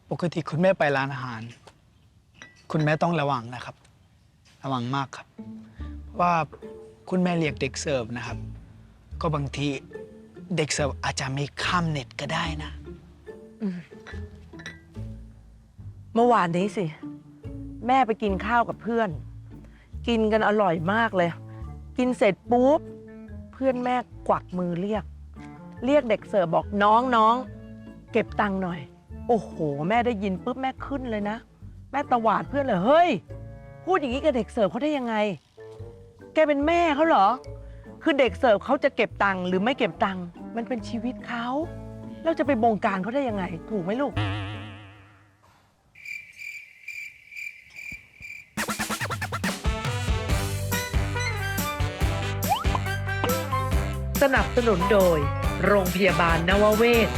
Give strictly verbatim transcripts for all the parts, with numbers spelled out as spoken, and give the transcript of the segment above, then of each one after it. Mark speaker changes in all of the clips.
Speaker 1: ปกติคุณแม่ไปร้านอาหาร คุณแม่ต้องระวังนะครับ ระวังมากครับเพราะว่าคุณแม่เรียกเด็กเสิร์ฟนะครับ ก็บางทีเด็กเสิร์ฟอาจจะไม่ข้ามเน็ตก็ได้นะ
Speaker 2: เมื่อวานนี้สิ แม่ไปกินข้าวกับเพื่อน กินกันอร่อยมากเลย กินเสร็จปุ๊บเพื่อนแม่กวักมือเรียก เรียกเด็กเสิร์ฟบอกน้องน้องเก็บตังค์หน่อย โอ้โห แม่ได้ยินปุ๊บแม่ขึ้นเลยนะ แม่ตวาดเพื่อนเลยเฮ้ยพูดอย่างนี้กับเด็กเสิร์ฟเขาได้ยังไง แกเป็นแม่เขาเหรอ คือเด็กเสิร์ฟเขาจะเก็บตังค์หรือไม่เก็บตังค์มันเป็นชีวิตเขาเราจะไปบงการเขาได้ยังไง ถูกไหมลูกสนับสนุนโดยโรงพยาบาลนวเวศ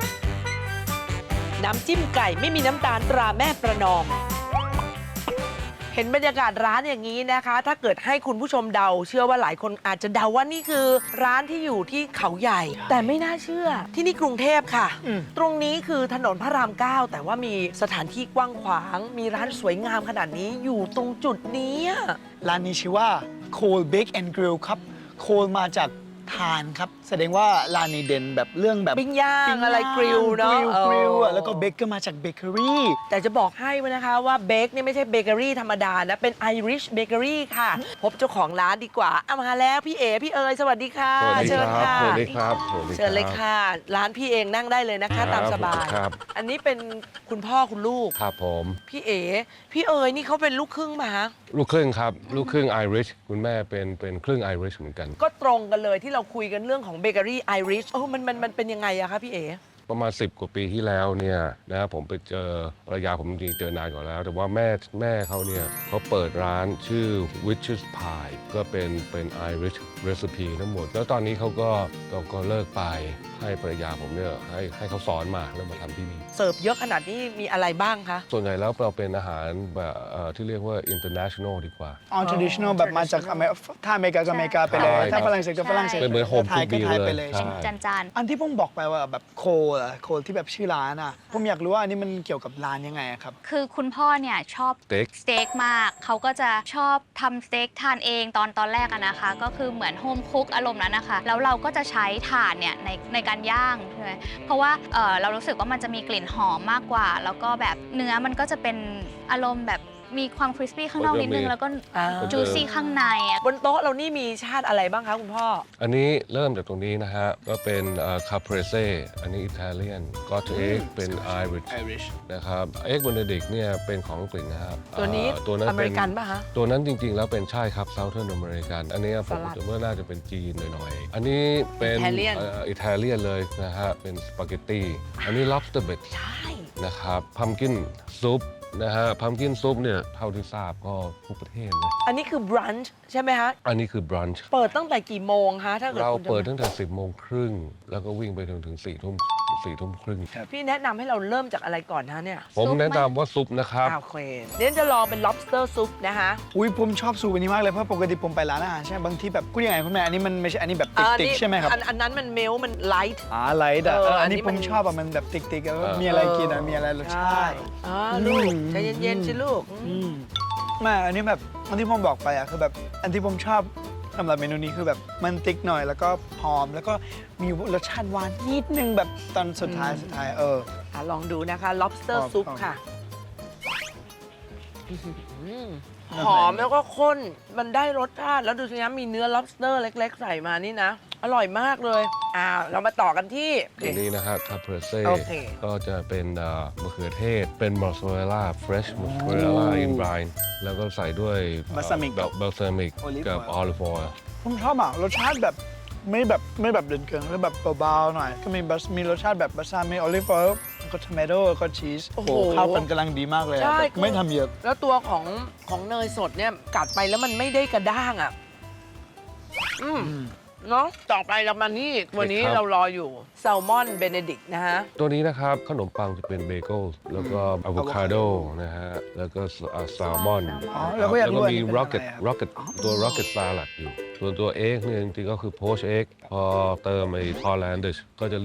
Speaker 2: น้ำจิ้มไก่ไม่มีน้ำตาลตราแม่ประนอม เห็นบรรยากาศร้านอย่างนี้นะคะ ถ้าเกิดให้คุณผู้ชมเดา เชื่อว่าหลายคนอาจจะเดาว่านี่คือร้านที่อยู่ที่เขาใหญ่ แต่ไม่น่าเชื่อที่นี่กรุงเทพค่ะ ตรงนี้คือถนนพระรามเก้าแต่ว่ามีสถานที่กว้างขวาง มีร้านสวยงามขนาดนี้อยู่ตรงจุดนี้
Speaker 1: ร้านนี้ชื่อว่า Cole Bake and Grill ครับ โคลมาจากทานครับ แสดงว่าร้านนี้เด่นแบบเรื่องแบบ
Speaker 2: ปิ้งย่างอะไรกริลเนาะ
Speaker 1: กริลอะแล้วก็เบเกอร์มาจากเบเกอรี่
Speaker 2: แต่จะบอกให้ว่านะคะว่าเบคนี่ไม่ใช่เบเกอรี่ธรรมดานะ เป็นไอริชเบเกอรี่ค่ะ พบเจ้าของร้านดีกว่าเอามาแล้วพี่เอ๋พี่เอ๋ยสวัสดีค่ะ
Speaker 3: สวัสดี
Speaker 2: เชิญ
Speaker 3: ครั
Speaker 2: ค่ะ
Speaker 3: บ สวัสดีครับสวัสดีครับ
Speaker 2: เชิญเลยค่ะ ร้านพี่เองนั่งได้เลยนะคะ ตามสบาย
Speaker 3: ครับ
Speaker 2: อันนี้เป็นคุณพ่อคุณลูก
Speaker 3: ครับผม
Speaker 2: พี่เอ๋พี่เอ๋ยนี่เขาเป็นลูกครึ่งมา
Speaker 3: ลูกครึ่งครับ ลูกครึ่งไอริชคุณแม่เป็นเป็นครึ่งไอริชเหมือนกัน
Speaker 2: ก็ตรงกันเลยที่เราคุยกันเรื่องของเบเกอรี่ไอริชโอ้มันมันมันเป็นยังไงอะคะพี่เอ๋
Speaker 3: ประมาณสิบกว่าปีที่แล้วเนี่ยนะผมไปเจอภรรยาผมจริงๆเจอนานก่อนแล้ว แต่ว่าแม่แม่เขาเนี่ยเขาเปิดร้านชื่อ Witch's Pie ก็เป็นเป็น Irish recipe ทั้งหมด แล้วตอนนี้เขาก็ก็ก็เลิกไปให้ภรรยาผมเนี่ยให้ให้เขาสอนมาแล้วมาทำที่นี่
Speaker 2: เสิร์ฟเยอะขนาดนี้มีอะไรบ้างคะ
Speaker 3: ส่วนใหญ่แล้วเราเป็นอาหารแบบเอ่อที่เรียกว่า international ดีกว่า
Speaker 1: อ๋อ traditional แบบมาจากอเมริกาถ้าอเมริกาก็อเมริกาไปเลย
Speaker 3: ใช่
Speaker 1: ถ้าฝรั่งเศสก็ฝรั่งเศส
Speaker 3: เป็นเหมือน home
Speaker 1: ไทยก็
Speaker 3: cooked
Speaker 1: ไทย
Speaker 3: meal
Speaker 1: ไป
Speaker 3: เล
Speaker 1: เลย ย
Speaker 3: ใช่
Speaker 1: ใช่
Speaker 4: จาน
Speaker 1: อันที่ผมบอกไปว่าแบบโคลอะโคลที่แบบชื่อร้านอ่ะ ผมอยากรู้ว่าอันนี้มันเกี่ยวกับร้านยังไงอะครับ
Speaker 4: คือคุณพ่อเนี่ยชอบ
Speaker 3: สเต็ก
Speaker 4: สเต็กมาก เขาก็จะชอบทำสเต็กทานเองตอนตอนแรกอะนะคะ ก็คือเหมือนโฮมคุกอารมณ์นั้นนะคะ แล้วเราก็จะใช้ถ่านเนี่ยในในการย่างใช่ไหมเพราะว่าเอ่อเรารู้สึกว่ามันจะมีกลิ่นหอมมากกว่า แล้วก็แบบเนื้อมันก็จะเป็นอารมณ์แบบมีความคริสปี้ข้างนอกนิดนึง แล้วก็
Speaker 2: อ่า
Speaker 4: จูซี่ข้างในอะ
Speaker 2: บนโต๊ะเรานี่มีชาติอะไรบ้างคะคุณพ่อ
Speaker 3: อันนี้เริ่มจากตรงนี้นะฮะ ก็เป็นคาเปรเซ่อันนี้อิตาเลียนก็เอ็กเป็นไอริช
Speaker 1: Irish
Speaker 3: นะครับเอ็กเบนเดดิกเนี่ยเป็นของอังกฤษนะครับ
Speaker 2: ตัวนี้
Speaker 3: อ่าตัวนั้น
Speaker 2: อเม
Speaker 3: เป็
Speaker 2: ริ
Speaker 3: น
Speaker 2: กันป่ะคะ
Speaker 3: ตัวนั้นจริง ๆ แล้วเป็นใช่ครับเซาเทิร์นอเมริกันอันนี้ผม
Speaker 2: สลัด
Speaker 3: คิดว่าน่าจะเป็นจีนหน่อยๆ อันนี้เป็น
Speaker 2: Italian
Speaker 3: อิตาเลียนเลยนะฮะ เป็นสปาเกตตี้อันนี้ lobster bit
Speaker 2: ใช่
Speaker 3: นะครับพัมกินซุปนะฮะพัมกินซุปเนี่ยเท่าที่ทราบก็ทุกประเทศเลย
Speaker 2: อันนี้คือบรันช์ใช่ไหมคะ
Speaker 3: อันนี้คือบรันช์
Speaker 2: เปิดตั้งแต่กี่โมงคะถ้าเกิด
Speaker 3: เรา
Speaker 2: คุณจะ
Speaker 3: เปิดตั้งแต่สิบโมงครึ่งแล้วก็วิ่งไปถึงถึงสี่ทุ่มสี่ทุ่มครึ่ง
Speaker 2: พี่แนะนำให้เราเริ่มจากอะไรก่อนนะเนี่ย
Speaker 3: ผมแนะนำว่าซุปนะครับ
Speaker 2: อ่าโอเคเดี๋ยวจะลองเป็น lobster soup นะคะ
Speaker 1: อุ้ยผมชอบสูตรอันนี้มากเลยเพราะปกติผมไปร้านอาหารใช่ไหมบางทีแบบพูดยังไงคุณแม่อันนี้มันไม่ใช่อันนี้แบบ
Speaker 2: อ่า
Speaker 1: ติ๊ก
Speaker 2: นี่
Speaker 1: ๆใช่ไหมครับ
Speaker 2: อันอันนั้นมันเมลมันไลท์
Speaker 1: อ่าไลท์อะ
Speaker 2: เออ
Speaker 1: เอออัน
Speaker 2: อันนี้
Speaker 1: นี้
Speaker 2: มั
Speaker 1: ผ
Speaker 2: น
Speaker 1: มชอบอะมันแบบติ๊กๆอะ
Speaker 3: เออ
Speaker 1: มีอะไรกินอะมีอะไรรสชาติ
Speaker 2: อ่าลูก
Speaker 1: อืม
Speaker 2: ใจเย็นๆสิลูก
Speaker 1: อืมไมาอันนี้แบบอันที่ผมบอกไปอะคือแบบอันที่ผมชอบสำหรับเมนูนี้คือแบบมันติ๊กหน่อยแล้วก็หอมแล้วก็มีรสชาติหวานนิดนึงแบบตอนสุดท้ายสุดท้ายเออ
Speaker 2: อ่ะลองดูนะคะ lobster
Speaker 1: ครับ
Speaker 2: soup
Speaker 1: ครับ
Speaker 2: ค่ะอืมหอมแล้วก็ข้น มันได้รสชาติ แล้วดูสินะมีเนื้อ lobster เล็ก ๆ ใส่มานี่นะ อร่อยมากเลย อ่า เรามาต่อกันที่
Speaker 3: ตัวนี้นะฮะคาเปรเซ่
Speaker 2: โอเค
Speaker 3: ก็จะเป็นเอ่อมะเขือเทศ เป็นมอสซาเรลล่าเฟรชมอสซาเรลล่าอินบรายแล้วก็ใส่ด้วย
Speaker 1: Balsamic
Speaker 3: เบลซามิก
Speaker 1: Olive
Speaker 3: กับ
Speaker 1: oil
Speaker 3: ออลิฟออยล์
Speaker 1: ผมชอบอ่ะรสชาติแบบไม่แบบไม่แบบเด่นเกินแล้วแบบเบาๆหน่อย ก็มีบัสมีรสชาติแบบบัสซามิโอลิฟออยล์ก็ทอมโต้ก็ชีส
Speaker 2: โอ้
Speaker 1: โอ้
Speaker 2: โห
Speaker 1: โหเข้ากันกำลังดีมากเลยอะ
Speaker 2: ใช่
Speaker 1: แบบไม่ทำเยอะ
Speaker 2: แล้วตัวของของเนยสดเนี่ยกัดไปแล้วมันไม่ได้กระด้างอ่ะ อืมเนาะต่อไปเรามานี่วันนี้เรารออยู่แซลมอนเบเนดิกนะฮะ
Speaker 3: ตัวนี้นะครับ ขนมปังจะเป็นเบเกิลแล้วก็อะโวคาโดนะฮะ แล้วก็แซลมอน
Speaker 1: อ๋อแล้วก็อยาก
Speaker 3: แล้ว
Speaker 1: รู้
Speaker 3: ก็
Speaker 1: อัน
Speaker 3: มี
Speaker 1: นี้เป็น
Speaker 3: rocket
Speaker 1: อะไรครับ
Speaker 3: rocket ตัว rocket salad อยู่ ส่วนตัวเอ็กเนี่ยจริงๆก็คือ poached egg พอเติมไอ้ Hollandish ก็จะเรียก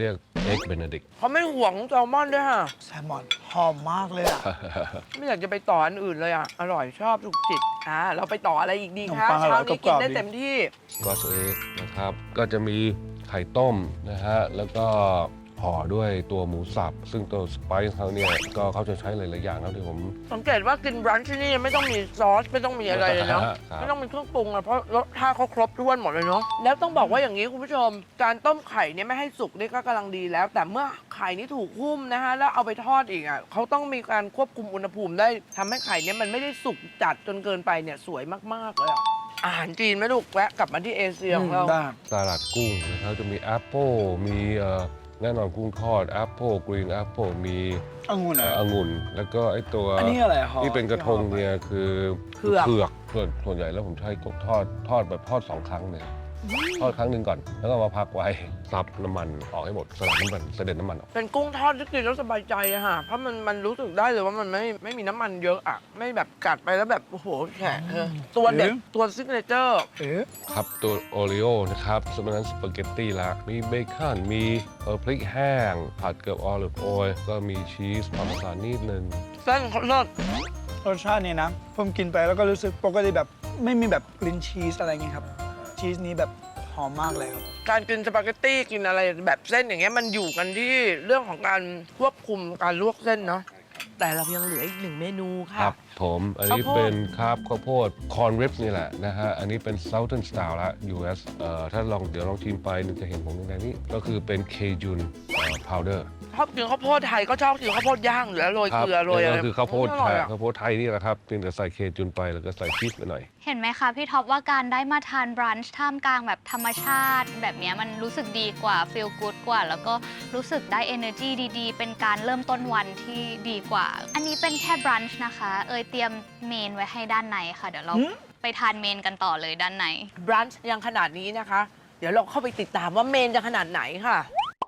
Speaker 3: เอ็กเบเนดิก
Speaker 2: เขาไม่ห่วงแซลมอนด้วยค่ะ
Speaker 1: แซลมอนหอมมากเลยอ่ะ
Speaker 2: ไม่อยากจะไปต่ออันอื่นเลยอ่ะ อร่อยชอบถูกจิตอ่าเราไปต่ออะไรอีกดี
Speaker 1: ขนม
Speaker 2: คะ
Speaker 1: ปังอร่
Speaker 2: เช้า
Speaker 1: อย
Speaker 2: นี้
Speaker 1: ก
Speaker 2: กิ
Speaker 1: ร
Speaker 2: น
Speaker 1: อบๆ
Speaker 2: ได้
Speaker 1: ดี
Speaker 2: เต็มที่
Speaker 3: ก็สเอ็กนะครับ ก็จะมีไข่ต้มนะฮะ แล้วก็ห่อด้วยตัวหมูสับ ซึ่งตัวสไปซ์เขาเนี่ย ก็เขาจะใช้หลาย ๆ อย่างนะที่ผม
Speaker 2: สังเกตว่ากินบรันช์ที่นี่ไม่ต้องมีซอสไม่ต้องมีอะไรเลยเนาะ
Speaker 3: ครับ
Speaker 2: ไม่ต้องมีเครื่องปรุงอะเพราะรสชาติเขาครบถ้วนหมดเลยเนาะแล้วต้องบอกว่าอย่างนี้คุณผู้ชม การต้มไข่เนี่ยไม่ให้สุกนี่ก็กำลังดีแล้ว แต่เมื่อไข่นี่ถูกหุ้มนะฮะแล้วเอาไปทอดอีกอ่ะเขาต้องมีการควบคุมอุณหภูมิได้ทำให้ไข่เนี่ยมันไม่ได้สุกจัดจนเกินไปเนี่ยสวยมากๆเลยอะอาหารจีนไหมลูกแวะกลับมาที่เอเชียของเรา
Speaker 1: ได้
Speaker 3: สลัดกุ้งนะครับ จะมีแอปเปิลมีเอ่อแน่นอนกุ้งทอดแอปเปิลกรีนแอปเปิลมี
Speaker 1: องุ่น
Speaker 3: เอ่
Speaker 1: อ่ะ
Speaker 3: อองุ่น แล้วก็ไอตัว
Speaker 1: อันนี้อะไรหอม
Speaker 3: ที่เป็นกระทงเนี่ยคือ
Speaker 2: เผือก
Speaker 3: เผือกส่วนส่วนใหญ่แล้วผมใช้กบทอดทอดแบบทอดสองครั้งเนี่ยทอดครั้งหนึ่งก่อน แล้วก็มาพักไว้ซับน้ำมันออกให้หมดสลัดน้ำมันเสด็จน้ำมันออก
Speaker 2: เป็นกุ้งทอดที่กินแล้วสบายใจอะค่ะเพราะมันมันรู้สึกได้เลยว่ามันไม่ไม่มีน้ำมันเยอะอะไม่แบบกัดไปแล้วแบบโอ้โหแฉะเออตัวเด็ดตัวซิกเนเจอร์
Speaker 1: เอ๊ะ
Speaker 3: ครับตัวโอริโอนะครับสมัยนั้นสปาเกตตี้ละมีเบคอนมีเอ่อพริกแห้ง ผัดเกลือออลิฟออยล์ก็มีชีสพาร์เมซานนิดนึง
Speaker 2: เส้นเขาเลิศ
Speaker 1: รสชาตินี้นะ ผมกินไปแล้วก็รู้สึกปกติแบบไม่มีแบบกลิ่นชีสอะไรเงี้ยครับ ชีสนี้แบบหอมมากเลยครับ
Speaker 2: การกินสปาเกตตี้กินอะไรแบบเส้นอย่างเงี้ยมันอยู่กันที่เรื่องของการควบคุมการลวกเส้นเนาะแต่เรายังเหลืออีกหนึ่งเมนู
Speaker 3: ค
Speaker 2: ค่ะ
Speaker 3: รับผมอันนี้
Speaker 2: ข้าวโพด
Speaker 3: เป็นครับข้าวโพดคอนริปนี่แหละนะฮะ อันนี้เป็น Southern Style ละ ยู เอส เอ่อถ้าลองเดี๋ยวลองชิมไปนึงจะเห็นผมในนี้ ก็คือเป็นเคจุนพาวเดอร์
Speaker 2: ชอบกินข้าวโพดไทยก็ชอบกินข้าวโพดย่างหรือโรย
Speaker 3: ครั
Speaker 2: เกลือโรยอะไร
Speaker 3: ก็คือข้าวโพด
Speaker 2: อ
Speaker 3: ไท
Speaker 2: ร่อย
Speaker 3: ย
Speaker 2: อะ
Speaker 3: ข้าวโพดไทยนี่แหละครับเพียงแต่ใส่เคจุนไปแล้วก็ใส่ชีสไปหน่อย
Speaker 4: เห็นไหมคะพี่ท็อปว่าการได้มาทานบรันช์ท่ามกลางแบบธรรมชาติ แบบเนี้ยมันรู้สึกดีกว่าฟีลกู๊ดกว่า แล้วก็รู้สึกได้ energy ดีๆ เป็นการเริ่มต้นวันที่ดีกว่า อันนี้เป็นแค่บรันช์นะคะ เอยเตรียมเมนไว้ให้ด้านในค่ะ เดี๋ยวเรา
Speaker 1: หืม
Speaker 4: ไปทานเมนกันต่อเลยด้านใน
Speaker 2: บรันช์ยังขนาดนี้นะคะ เดี๋ยวเราเข้าไปติดตามว่าเมนจะขนาดไหนค่ะ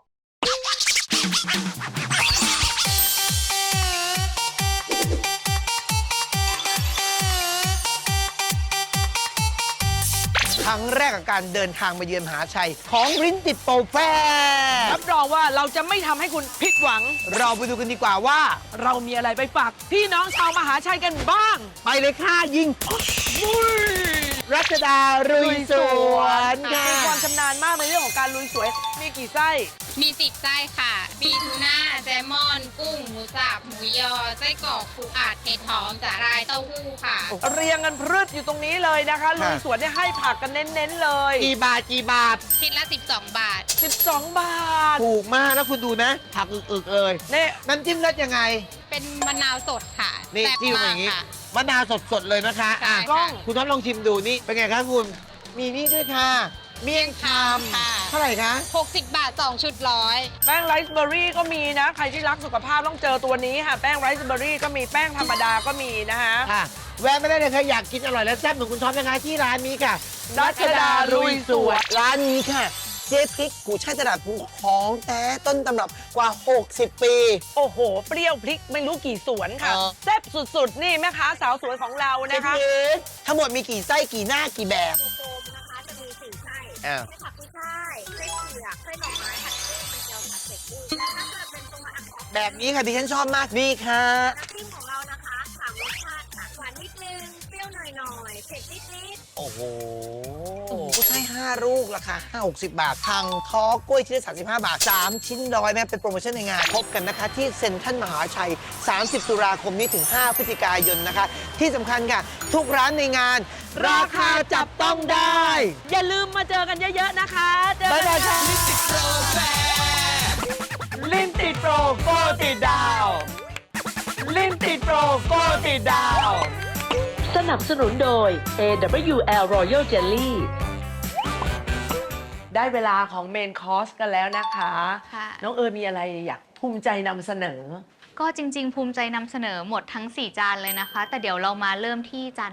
Speaker 5: ครั้งแรกกับการเดินทางมาเยือนมหาชัย ของริ้นติดโปรแฟร์
Speaker 2: รับรองว่าเราจะไม่ทำให้คุณผิดหวัง
Speaker 5: เราไปดูกันดีกว่าว่า
Speaker 2: เรามีอะไรไปฝากพี่น้องชาวมหาชัยกันบ้าง
Speaker 5: ไปเลยค่ะยิงรัชดารุยสวนค่ะ
Speaker 2: มีความชำนาญมากในเรื่องของการลุยสวย มีกี่ไส้
Speaker 6: มีสิบไส้ค่ะ มีทูน่า แซลมอน กุ้ง หมูสับ หมูยอ ไส้กรอกปูอัดเห็ดหอม สาหร่าย เต้าหู้ค่ะ
Speaker 2: เรียงกันพรึดอยู่ตรงนี้เลยนะคะลุยสวนเนี่ยให้ผักกันเน้นๆเลย
Speaker 5: กี่บาทกี่บาท
Speaker 6: ชิ้นละสิบสองบาท
Speaker 2: สิบสอง บาท
Speaker 5: ถูกมากแล้วคุณดูนะ ผักอึกๆเลย
Speaker 2: เนี่ย
Speaker 5: น้ำจิ้มรสยังไง
Speaker 6: เป็นมะนาวสดค่ะ
Speaker 5: นี่
Speaker 6: แซ่บ
Speaker 5: จิ้มอ
Speaker 6: มา
Speaker 5: ย่าก งนี้
Speaker 6: ค่ะ
Speaker 5: มะนาวสดๆเลยนะคะ
Speaker 6: ใช่
Speaker 5: อ่ะ
Speaker 6: ค่ะ
Speaker 2: กล้อง
Speaker 5: คุณท็อปลองชิมดูนี่ เป็นไงคะคุณ มีนี่ด้วยค่ะ เมี่ยงค
Speaker 6: ค่ะ
Speaker 5: ำเท่าไหร่คะ
Speaker 6: หกสิบบาทสองชุดร้อย
Speaker 2: แป้งไรซ์เบอร์รี่ก็มีนะ ใครที่รักสุขภาพต้องเจอตัวนี้ค่ะ แป้งไรซ์เบอร์รี่ก็มีแป้งธรรมดาก็มีนะคะ
Speaker 5: ค่ะ แวะไม่ได้เลยค่ะอยากกินอร่อยและแซ่บเหมือนคุณท็อปนะคะที่ร้านนี้ค่ะ
Speaker 2: รัชดารุยสวน
Speaker 5: ร้านนี้ค่ะ เจ๊พริกกูช่ายตลาดภูของแท้ต้นตำรับกว่า หกสิบ ปี
Speaker 2: โอ้โห เปรี้ยวพริกไม่รู้กี่สวนค่ะ
Speaker 5: เออ
Speaker 2: แซ่บสุดๆ นี่แม่ค้าสาวสวยของเรา
Speaker 5: เจ๊
Speaker 2: นะ
Speaker 5: พ
Speaker 2: คะ
Speaker 5: ริกทั้งหมดมีกี่ไส้กี่หน้ากี่แบบ
Speaker 7: โฟมนะคะจะมีสี่ไส้
Speaker 5: อ้าว
Speaker 7: ไส้ผักกุ้ยช่ายไส้เผือกไส้หน่อไม้ผัดกุ้งเป็นเจียวผัดเผ็ดกุ้งและถ้าเกิดเป็นตัวอักษร
Speaker 5: แบบนี้ค่ะดิฉันชอบมากนี่ค่ะ
Speaker 7: น้ำจิ้มของเรานะคะสามรสชาติค่ะหวานนิดนึงเปรี้ยวหน่อยๆเผ็ดนิดๆ
Speaker 5: โอ้โหกูช่ายห้าลูกราคาห้าหกสิบบาท ทางท้อกล้วยชิ้นละสามสิบห้าบาท สามชิ้นร้อยแม่เป็นโปรโมชั่นในงาน พบกันนะคะ ที่เซ็นทรัลมหาชัย สามสิบตุลาคมนี้ถึง ห้าพฤศจิกายนนะคะ ที่สำคัญค่ะ ทุกร้านในงาน ราคาจับต้องได้
Speaker 2: อย่าลืมมาเจอกันเยอะๆนะคะเจอ
Speaker 5: บ๊าย
Speaker 2: กัน
Speaker 5: บายค่ะ
Speaker 2: ลิ้นติดโปรโกติดดาว ลิ้นติดโปรโกติดดาว
Speaker 8: สนับสนุนโดย เอ ดับเบิลยู แอล Royal Jelly
Speaker 2: ได้เวลาของเมนคอร์สกันแล้วนะคะ
Speaker 4: ค่ะ
Speaker 2: น้องเอิญมีอะไรอยากภูมิใจนำเสนอ
Speaker 4: ก็จริง ๆ ภูมิใจนำเสนอหมดทั้ง สี่ จานเลยนะคะ แต่เดี๋ยวเรามาเริ่มที่จานแรก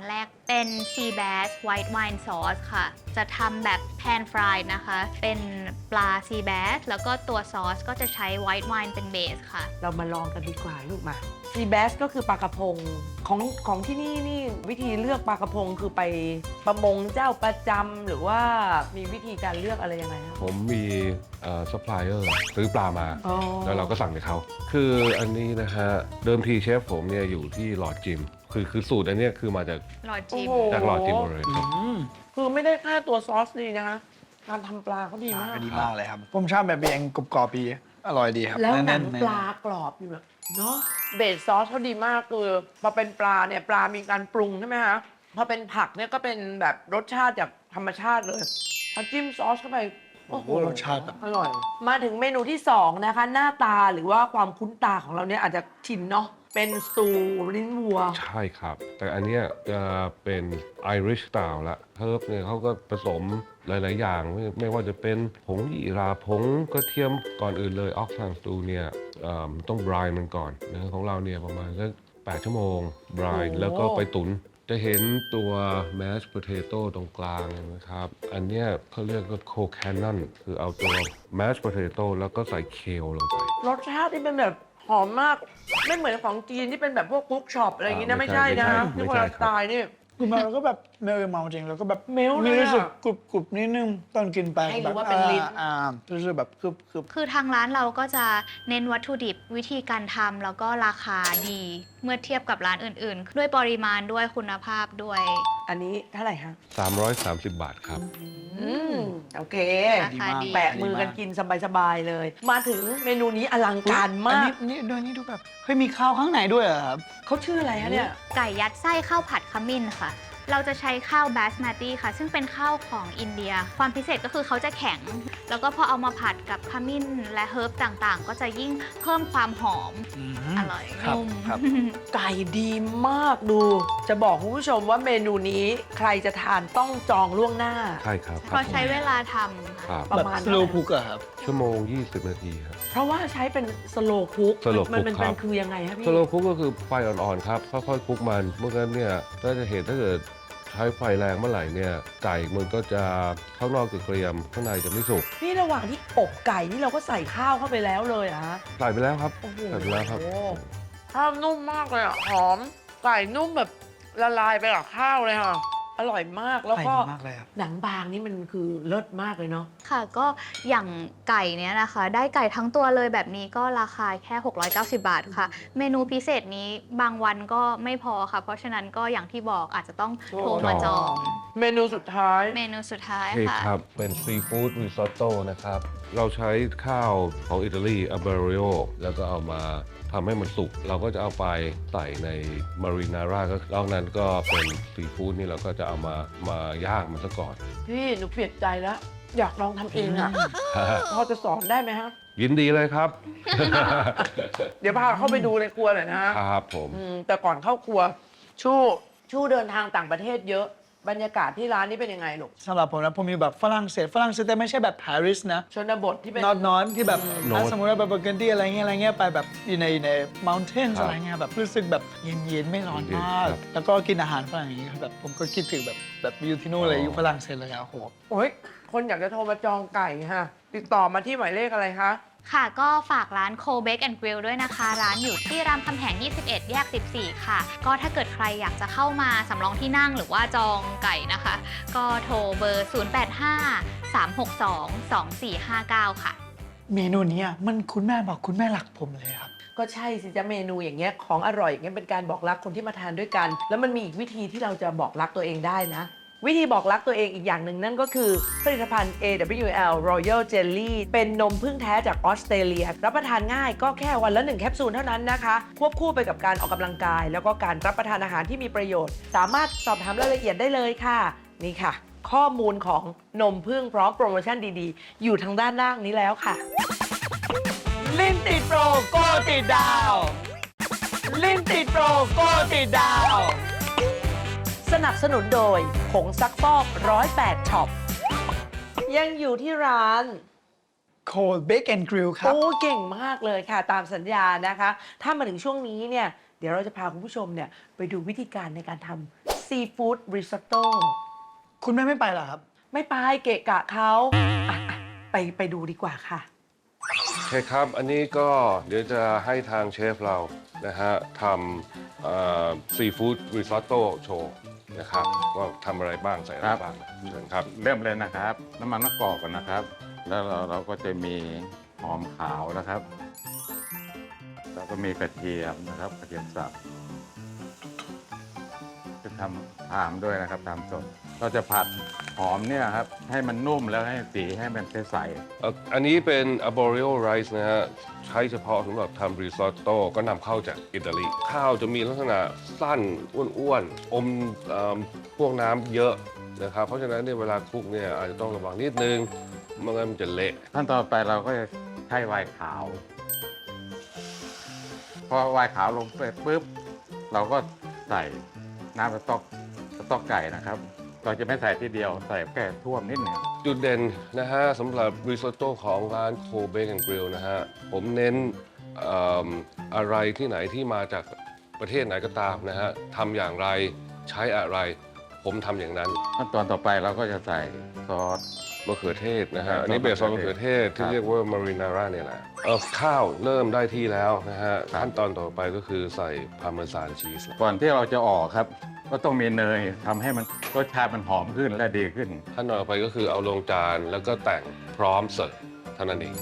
Speaker 4: เป็น Sea Bass White Wine Sauce ค่ะ จะทำแบบ pan fried นะคะ เป็นปลา Sea Bass แล้วก็ตัวซอสก็จะใช้ White Wine เป็นเบสค่ะ
Speaker 2: เรามาลองกันดีกว่าลูกมาซีแบสก็คือปลากระพงของของที่นี่นี่วิธีเลือกปลากระพงคือไปประมงเจ้าประจำหรือว่ามีวิธีการเลือกอะไรยังไงครับ
Speaker 3: ผมมีซัพพลายเออร์ซื้อปลามา แล้วเราก็สั่งจากเขา คืออันนี้นะฮะ เดิมทีเชฟผมเนี่ยอยู่ที่หลอดจิม คือคือสูตรอันเนี้ยคือมาจาก
Speaker 4: หลอดจิม
Speaker 2: โอ้โห
Speaker 3: จากหลอดจิมหมดเลยครับ
Speaker 2: คือไม่ได้แค่ตัวซอสดีนะคะการทำปลาเขาดีมาก
Speaker 1: ดีมากเลยครับ ผมชอบแบบเองกรอบๆดีอร่อยดีครับ
Speaker 2: แล้วหนัง
Speaker 1: ๆ
Speaker 2: ปลากรอบอยู่แบบเนาะเบสซอสเขาดีมากคือพอเป็นปลาเนี่ยปลามีการปรุงใช่ไหมคะพอเป็นผักเนี่ยก็เป็นแบบรสชาติจากธรรมชาติเลยพอจิ้มซอสเข้าไปโอ้โห
Speaker 1: โอ้โหรสชาติแบบ
Speaker 2: อร่อย มาถึงเมนูที่สองนะคะ หน้าตาหรือว่าความคุ้นตาของเราเนี่ยอาจจะชินเนาะเป็นสตูลิ้นวัว
Speaker 3: ใช่ครับ แต่อันเนี้ยจะเป็น Irish style ละเฮิร์บเนี่ยเขาก็ผสมหลาย ๆ อย่าง ไม่ไม่ว่าจะเป็นผงยี่ราผงกระเทียมก่อนอื่นเลยออกซานสตูเนี่ยเอิ่มต้องบรายมันก่อนนะของเราเนี่ยประมาณสักแปดชั่วโมงบราย
Speaker 2: โอ้
Speaker 3: แล้วก็ไปตุ๋นจะเห็นตัว mashed potato ตรงกลางนะครับ อันเนี้ยเขาเรียกว่า co-cannon คือเอาตัว mashed potato แล้วก็ใส่เคลลงไป
Speaker 2: รสชาติที่เป็นแบบหอมมากไม่เหมือนของจีนที่เป็นแบบพวกคุกช็อปอะไรอย่างงี้นะ
Speaker 3: อ่า
Speaker 2: ไม่ใช่นะ
Speaker 3: ไม่
Speaker 2: ที่
Speaker 3: ใช่
Speaker 2: คนละ
Speaker 3: ไม่
Speaker 2: ส
Speaker 3: ใช่ครับ
Speaker 2: ไตล์นี่
Speaker 1: คือมาแล้วก็แบบเมลเมาจริงแล้วก็แบบ
Speaker 2: เมลเลยอะ
Speaker 1: มีรู้สึกกรุบกรุบนิดนึงตอนกินไป
Speaker 2: ให้รู้
Speaker 1: แบบ
Speaker 2: ว่าเป็นลิ้น
Speaker 1: อ่าอ่ารู้สึกแบบกรุบกรุบ
Speaker 4: คือทางร้านเราก็จะเน้นวัตถุดิบวิธีการทำแล้วก็ราคาดี เมื่อเทียบกับร้านอื่นๆ ด้วยปริมาณด้วยคุณภาพด้วย
Speaker 2: อันนี้เท่าไหร่คะ
Speaker 3: สามร้อยสามสิบบาทครับ
Speaker 2: อืมโอเค
Speaker 4: ราคาดี
Speaker 2: แปะมือกันกินสบายๆเลย มาถึงเมนูนี้อลังการ
Speaker 1: อัน
Speaker 2: มาก
Speaker 1: นี้นี่ด้วยนี่ดูแบบเฮ้ยมีข้าวข้างในด้วยเหรอครับ
Speaker 2: เขาชื่ออะไรคะเนี่ย
Speaker 4: ไก่ยัดไส้ข้าวผัดขมิ้นค่ะ เราจะใช้ข้าวบาสมาติค่ะ ซึ่งเป็นข้าวของอินเดีย ความพิเศษก็คือเขาจะแข็ง แล้วก็พอเอามาผัดกับขมิ้นและเฮิร์บต่างๆ ก็จะยิ่งเพิ่มความหอม
Speaker 1: อืม
Speaker 4: อร่อย
Speaker 1: ครับ
Speaker 4: นุ่ม
Speaker 1: ครับ
Speaker 2: ไก่ดีมากดู จะบอกคุณผู้ชมว่าเมนูนี้ใครจะทานต้องจองล่วงหน้า
Speaker 3: ใช่ครับ
Speaker 4: เพราะใช้เวลาทำ
Speaker 3: ค
Speaker 4: ค่ะ
Speaker 3: รับ
Speaker 2: ประ
Speaker 1: แบบ
Speaker 2: มาณ
Speaker 1: สโลคุกอะครับ
Speaker 3: ชั่วโมง ยี่สิบ นาทีครับ
Speaker 2: เพราะว่าใช้เป็นสโลคุก
Speaker 3: slow
Speaker 2: มัน
Speaker 3: cook
Speaker 2: มัน
Speaker 3: ครั
Speaker 2: เป็
Speaker 3: บ
Speaker 2: นคือยังไงคะพี่
Speaker 3: สโลคุกก็คือไฟอ่อนๆครับ ค่อยๆคลุกมันเมื่อนั้นเนี่ยถ้าจะเห็นถ้าเกิดใช้ไฟแรงเมื่อไหร่เนี่ยไก่มันก็จะข้างนอกจะเกรียมข้างในจะไม่สุก
Speaker 2: นี่ระหว่างที่อบไก่นี่เราก็ใส่ข้าวเข้าไปแล้วเลยเหรอะฮะ
Speaker 3: ใส่ไปแล้วครับ
Speaker 2: โอ้โห
Speaker 3: ใส่ไปแล้วครับ
Speaker 2: ข้าวนุ่มมากเลยอ่ะ หอม ไก่นุ่มแบบละลายไปกับข้าวเลยค่ะ อร่อยมาก แล้วก็
Speaker 1: ไก่มากเลยครับ
Speaker 2: หนังบางนี่มันคือเลิศมากเลยเนาะ
Speaker 4: ค่ะก็อย่างไก่เนี้ยนะคะ ได้ไก่ทั้งตัวเลยแบบนี้ก็ราคาแค่ หกร้อยเก้าสิบบาทค่ะ เมนูพิเศษนี้บางวันก็ไม่พอค่ะ เพราะฉะนั้นก็อย่างที่บอกอาจจะต้องโทรมาจอง
Speaker 2: เมนูสุดท้าย
Speaker 4: เมนูสุดท้าย
Speaker 3: เค้ก
Speaker 4: ค่ะ
Speaker 3: ครับ เป็นซีฟู้ดริซอตโต้นะครับ เราใช้ข้าวของอิตาลีอาเบริโอแล้วก็เอามาทำให้มันสุก เราก็จะเอาไปใส่ในมารีนาร่าก็นอกนั้นก็เป็นซีฟู้ดนี่เราก็จะเอามามาย่างมันซะก่อน
Speaker 2: พี่หนูเปลี่ยนใจแล้ว อยากลองทำเองอ่ะ พอจะสอนได้ไหมฮะ
Speaker 3: ยินดีเลยครับ
Speaker 2: เดี๋ยวพาเข้าไปดูในครัวหน่อยนะฮะ
Speaker 3: ครับผม
Speaker 2: อืมแต่ก่อนเข้าครัว ชู่ชู่เดินทางต่างประเทศเยอะ บรรยากาศที่ร้านนี้เป็นยังไงลูก
Speaker 1: สำหรับผมนะผมมีแบบฝรั่งเศสฝรั่งเศสแต่ไม่ใช่แบบปารีสนะ
Speaker 2: ชนบทที่เป็น
Speaker 1: นอตนอนที่แบบ
Speaker 3: โน้ต
Speaker 1: ถ้าสมมติว่าแบบเบอร์เกนดี้อะไรเงี้ยอะไรเงี้ยไปแบบอยู่ในในม u นเทน
Speaker 3: ครับ
Speaker 1: อะไรเงี้ยแบบรู้สึกแบบเย็นๆไม่ร้อน
Speaker 3: เย็น
Speaker 1: มาก
Speaker 3: ครับ
Speaker 1: แล้วก็กินอาหารฝรั่งอย่างงี้แบบผมก็คิดถึงแบบแบบอยู่ที่นู่นเลย
Speaker 3: อ๋อ
Speaker 1: อยู่ฝรั่งเศสเลยอะโอ้โห
Speaker 2: โอ้ยคนอยากจะโทรมาจองไก่ค่ะ ติดต่อมาที่หมายเลขอะไรคะ
Speaker 4: ค่ะก็ฝากร้าน Co Bake and Grill ด้วยนะคะ ร้านอยู่ที่รามคำแหง ยี่สิบเอ็ด แยก สิบสี่ ค่ะ ก็ถ้าเกิดใครอยากจะเข้ามาสำรองที่นั่งหรือว่าจองไก่นะคะ ก็โทรเบอร์ ศูนย์ แปด ห้า สาม หก สอง สอง สี่ ห้า เก้า ค่ะ
Speaker 1: เมนูเนี้ยมันคุณแม่บอกคุณแม่รักผมเลยครับ
Speaker 2: ก็ใช่สิจ๊ะเมนูอย่างเงี้ยของอร่อยอย่างเงี้ยเป็นการบอกรักคนที่มาทานด้วยกัน แล้วมันมีอีกวิธีที่เราจะบอกรักตัวเองได้นะ วิธีบอกรักตัวเองอีกอย่างหนึ่งนั่นก็คือผลิตภัณฑ์ เอ ดับเบิลยู แอล Royal Jelly เป็นนมพึ่งแท้จากออสเตรเลีย รับประทานง่ายก็แค่วันละหนึ่งแคปซูลเท่านั้นนะคะ ควบคู่ไปกับการออกกำลังกาย แล้วก็การรับประทานอาหารที่มีประโยชน์ สามารถสอบถามรายละเอียดได้เลยค่ะ นี่ค่ะ ข้อมูลของนมพึ่งพร้อมโปรโมชั่นดีๆ อยู่ทางด้านล่างนี้แล้วค่ะ ลิ้นติดโปรโกติดดาวลิ้นติดโปรโกติดดาวสนับสนุนโดยผงซักฟอกร้อยแปดช็อปยังอยู่ที่ร้าน
Speaker 1: Cold Bake and Grill ครับ
Speaker 2: โอ้เก่งมากเลยค่ะ ตามสัญญานะคะ ถ้ามาถึงช่วงนี้เนี่ย เดี๋ยวเราจะพาคุณผู้ชมเนี่ยไปดูวิธีการในการทำซีซีฟู้ดริซอตโต้
Speaker 1: คุณแม่ไม่ไปเหรอครับ
Speaker 2: ไม่ไปเกะกะเขาอ่ะอ่ะไปไปดูดีกว่าค่ะ
Speaker 3: โอเคครับ อันนี้ก็เดี๋ยวจะให้ทางเชฟเรานะฮะทำซีฟู้ดริซอตโต้โชว์นะครับว่าทำอะไรบ้างใส่อะไรบ้างเชิญครับ
Speaker 9: เริ่มเลยนะครับ น้ำมันมะกอกก่อนนะครับ แล้วเราเราก็จะมีหอมขาวนะครับ แล้วก็มีกระเทียมนะครับกระเทียมสับจะทำตามด้วยนะครับตามสดเราจะผัดหอมเนี่ยครับให้มันนุ่มแล้วให้สีให้มันใส
Speaker 3: เอ่ออันนี้เป็น arborio rice นะฮะใช้เฉพาะสำหรับทำริซอตโต้ก็นำเข้าจากอิตาลี ข้าวจะมีลักษณะสั้นอ้วนๆ อมเอ่อพวกน้ำเยอะนะครับ เพราะฉะนั้นเนี่ยเวลาคลุกเนี่ยอาจจะต้องระวังนิดนึงไม่งั้นมันจะเละ
Speaker 9: ๆขั้นตอนต่อไปเราก็จะใช้ไวน์ขาว พอไวน์ขาวลงไปปุ๊บเราก็ใส่น้ำสต๊อกสต๊อกไก่นะครับ เราจะไม่ใส่ทีเดียวใส่แค่ท่วมนิดหนึ่ง
Speaker 3: จุดเด่นนะฮะสำหรับริซอตโต้ของร้านโคเบกแอนด์กริลนะฮะผมเน้นเอิ่มอะไรที่ไหนที่มาจากประเทศไหนก็ตามนะฮะทำอย่างไรใช้อะไร ผมทำอย่างนั้น
Speaker 9: ขั้นตอนต่อไปเราก็จะใส่ซอส
Speaker 3: มะเขือเทศนะฮะ
Speaker 9: ครับ
Speaker 3: อันนี้เบสซอสมะเขือเทศ
Speaker 9: ครั
Speaker 3: ที่
Speaker 9: บ
Speaker 3: เรียกว่ามารินาร่าเนี่ยแหละเออข้าวเริ่มได้ที่แล้วนะฮะ
Speaker 9: ครับ
Speaker 3: ขั้นตอนต่อไปก็คือใส่พาร์เมซานชีส
Speaker 9: ก่อนที่เราจะออกครับ ก็ต้องมีเนยทำให้มันรสชาติมันหอมขึ้นและดีขึ้น
Speaker 3: ขั้นตอนต่อไปก็คือเอาลงจานแล้วก็แต่งพร้อมเสิร์ฟเท่านั้นเอง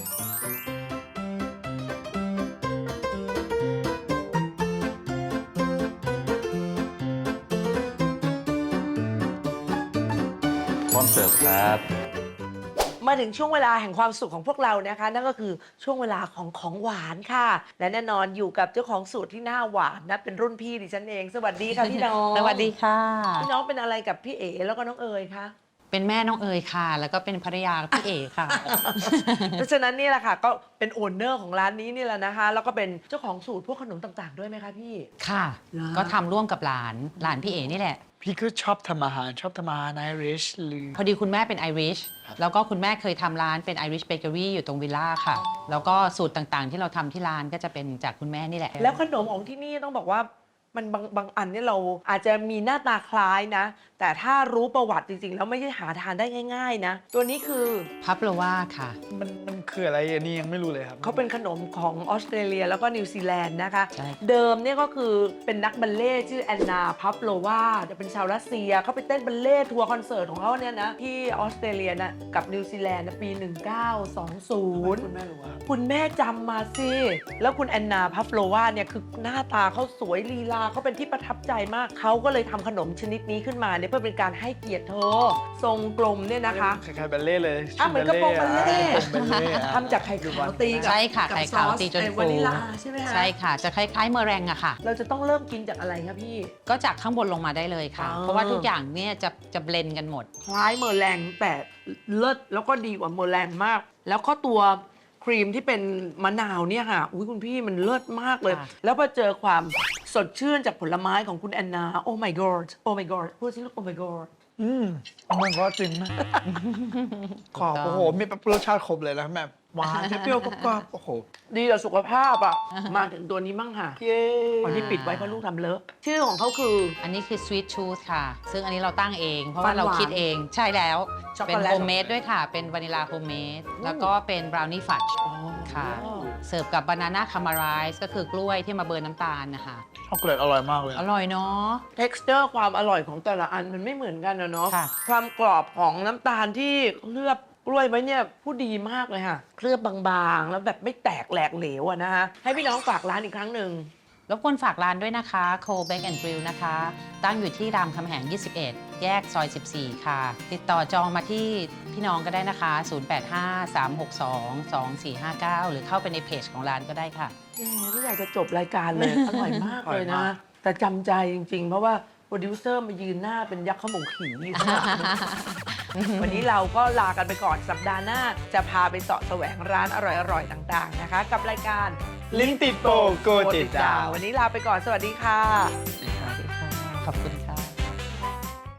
Speaker 9: พร้อมเสิร์ฟครับ
Speaker 2: มาถึงช่วงเวลาแห่งความสุขของพวกเรานะคะ นั่นก็คือช่วงเวลาของของหวานค่ะ และแน่นอนอยู่กับเจ้าของสูตรที่หน้าหวานนะเป็นรุ่นพี่ดิฉันเอง สวัสดีค่ะพี่น้อง
Speaker 10: สวัสดีค่ะ
Speaker 2: พี่น้องเป็นอะไรกับพี่เอ๋แล้วก็น้องเอ๋ยคะ
Speaker 10: เป็นแม่น้องเอ๋ยค่ะ แล้วก็เป็นภรรยาพี่เอ๋ค่ะ
Speaker 2: เพราะฉะนั้นนี่แหละค่ะก็เป็นโอนเนอร์ของร้านนี้นี่แหละนะคะ แล้วก็เป็นเจ้าของสูตรพวกขนมต่างๆด้วยไหมคะพี่
Speaker 10: ค่ะ
Speaker 2: เหรอ
Speaker 10: ก็ทำร่วมกับหลาน หลานพี่เอ๋นี่แหละ
Speaker 1: พี่ก็ชอบทำอาหารชอบทำอาหารไอริชหรือ
Speaker 10: พอดีคุณแม่เป็นไอริช แล้วก็คุณแม่เคยทำร้านเป็นไอริชเบเกอรี่อยู่ตรงวิลล่าค่ะ แล้วก็สูตรต่างๆ ที่เราทำที่ร้านก็จะเป็นจากคุณแม่นี่แหละ
Speaker 2: แล้วขนมของที่นี่ต้องบอกว่ามันบางบางอันเนี่ยเราอาจจะมีหน้าตาคล้ายนะ แต่ถ้ารู้ประวัติจริงๆ แล้วไม่ใช่หาทานได้ง่าย ๆ นะ ตัวนี้คือ
Speaker 10: พับโลว่าค่ะ
Speaker 1: มันมันคืออะไรอันนี้ยังไม่รู้เลยครับ
Speaker 2: เขาเป็นขนมของออสเตรเลียแล้วก็นิวซีแลนด์นะคะ
Speaker 10: ใช่
Speaker 2: เดิมเนี่ยก็คือเป็นนักบัลเล่ต์ชื่อแอนนาพับโลวาจะเป็นชาวรัสเซียเขาไปเต้นบัลเล่ต์ทัวร์คอนเสิร์ตของเขาเนี่ยนะที่ออสเตรเลียนะกับนิวซีแลนด์นะปี หนึ่งเก้าสองศูนย์
Speaker 1: คุณแม่รู้ว่า
Speaker 2: คุณแม่จำมาสิ แล้วคุณแอนนาพัฟโลวาเนี่ยคือหน้าตาเขาสวยลีลาเขาเป็นที่ประทับใจมาก เขาก็เลยทำขนมชนิดนี้ขึ้นมาเนี่ยเพื่อเป็นการให้เกียรติเธอ ทรงกลมเนี่ยนะคะ
Speaker 1: คล้ายๆบัลเล่ต์เลย
Speaker 2: อ่ะเหมือนกระโปรงบัลเล่ต์
Speaker 1: กระโปรงบัลเล่ต์อ่ะ
Speaker 2: ทำจากไข่ขาวตีกับ
Speaker 10: ใช่ค่ะ
Speaker 2: กับ
Speaker 10: ไข่ขาว
Speaker 2: ซอส
Speaker 10: ตีจน
Speaker 2: ไอ้
Speaker 10: ฟู
Speaker 2: วานิลลาใช่ไหมคะ
Speaker 10: ใช่ค่ะ จะคล้ายๆเมอแรงอะค่ะ
Speaker 2: เราจะต้องเริ่มกินจากอะไรคะพี่
Speaker 10: ก็จากข้างบนลงมาได้เลยค่ะ
Speaker 2: อ๋อ
Speaker 10: เพราะว่าทุกอย่างเนี่ยจะจะเบลนกันหมด
Speaker 2: คล้ายเมอร์แรงแต่เลิศแล้วก็ดีกว่าเมอร์แรงมาก แล้วก็ตัวครีมที่เป็นมะนาวเนี่ยค่ะอุ้ยคุณพี่มันเลิศมากเลย
Speaker 10: ค่ะ
Speaker 2: แล้วพอเจอความสดชื่นจากผลไม้ของคุณแอนนา โอ้ my god โอ้ my god พูดสิลูกโอ้ my god
Speaker 1: อืมมันก็จริงนะขอบโอ้โห มีรสชาติครบเลยนะแบบหวานเปรี้ยวๆกรอบๆโอ้โห
Speaker 2: ดีต่อสุขภาพอ่ะ มาถึงตัวนี้มั่งค่ะ
Speaker 1: เย้
Speaker 2: ตอนที่ปิดไว้เพราะลูกทำเลอะ ชื่อของเขาคือ
Speaker 10: อันนี้คือ Sweet Tooth ค่ะ ซึ่งอันนี้เราตั้งเอง เพราะว่า
Speaker 2: หวานๆ
Speaker 10: เราคิดเอง ใช่แล้ว
Speaker 2: ช็อกโก
Speaker 10: เป็น
Speaker 2: แลต
Speaker 10: โฮมเมดด้วยค่ะ เป็นวานิลาโฮมเมด แล้วก็เป็นบราวนี่ฟัดค่ะ เสิร์ฟกับบานาน่าคามาไรซ์ก็คือกล้วยที่มาเบิร์นน้ำตาลนะคะ
Speaker 1: ช็อกโกแลตอร่อยมากเลย
Speaker 10: อร่อยเนาะ
Speaker 2: texture ความอร่อยของแต่ละอันมันไม่เหมือนกันนะเนาะ
Speaker 10: ค่ะ
Speaker 2: ความกรอบของน้ำตาลที่เคลือบกล้วยไว้เนี่ยผู้ดีมากเลยค่ะ เคลือบบางๆ แล้วแบบไม่แตกแหลกเหลวอะนะคะให้พี่น้องฝากร้านอีกครั้งหนึ่ง
Speaker 10: รบกวนฝากร้านด้วยนะคะ โคเบกแอนด์กริลนะคะ ตั้งอยู่ที่รามคำแหง ยี่สิบเอ็ด แยกซอย สิบสี่ ค่ะ ติดต่อจองมาที่พี่น้องก็ได้นะคะ ศูนย์ แปด ห้า สาม หก สอง สอง สี่ ห้า เก้า หรือเข้าไปในเพจของร้านก็ได้ค่ะ
Speaker 2: แหมไม่อยากจะจบรายการเลย อร่อยมากเลย
Speaker 1: อร่อย
Speaker 2: นะ
Speaker 1: มาก
Speaker 2: แต่จำใจจริงๆ เพราะว่าโปรดิวเซอร์มายืนหน้าเป็นยักษ์ขโมงขี่อยู่ข้างหลัง วันนี้เราก็ลากันไปก่อนสัปดาห์หน้า จะพาไปเสาะแสวงร้านอร่อยๆ ต่างๆนะคะ กับรายการ
Speaker 1: ลิ้นติดโปโกติดดาว
Speaker 2: วันนี้ลาไปก่อนสวัสดีค่ะ
Speaker 10: ขอบคุณค่ะ